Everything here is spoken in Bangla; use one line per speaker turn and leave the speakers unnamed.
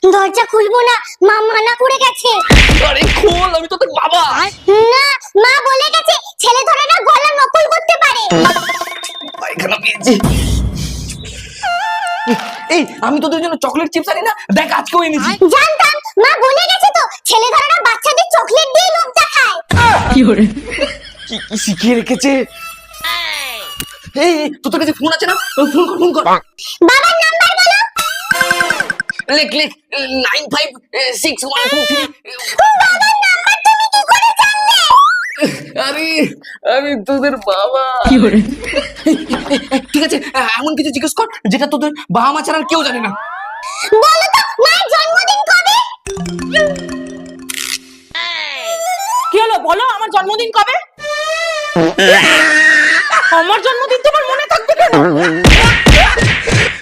দরজা খুলবো না, মা মানা করে গেছে।
আরে খোল, আমি তো তোর বাবা।
না, মা বলে গেছে ছেলে ধরে না গলা নকল করতে পারে।
পায়খানা পেয়েছি। এই আমি তোদের জন্য চকলেট চিপস আনি না, দেখ আজকেও এনেছি।
জানতাম, মা বলে গেছে তো ছেলে ধরে না বাচ্চাদের চকলেট দিয়ে লোভ দেখায়।
কি কি শিখিয়ে রেখেছে। এই তোর কাছে ফোন আছে না, ফোন কর।
বাবার নাম্বার বলো।
লেখ 956123।
বাবার নাম্বার তুমি কি করে জানলে?
আরে আমি তোদের বাবা। ঠিক আছে, এমন কিছু জিজ্ঞেস কর যেটা তোদের বাবা মা ছাড়া আর কেউ জানে না।
বলো তো মায়ের জন্মদিন কবে?
কি হলো বলো, আমার জন্মদিন কবে? আমার জন্মদিন তোমার মনে থাকবে কেন?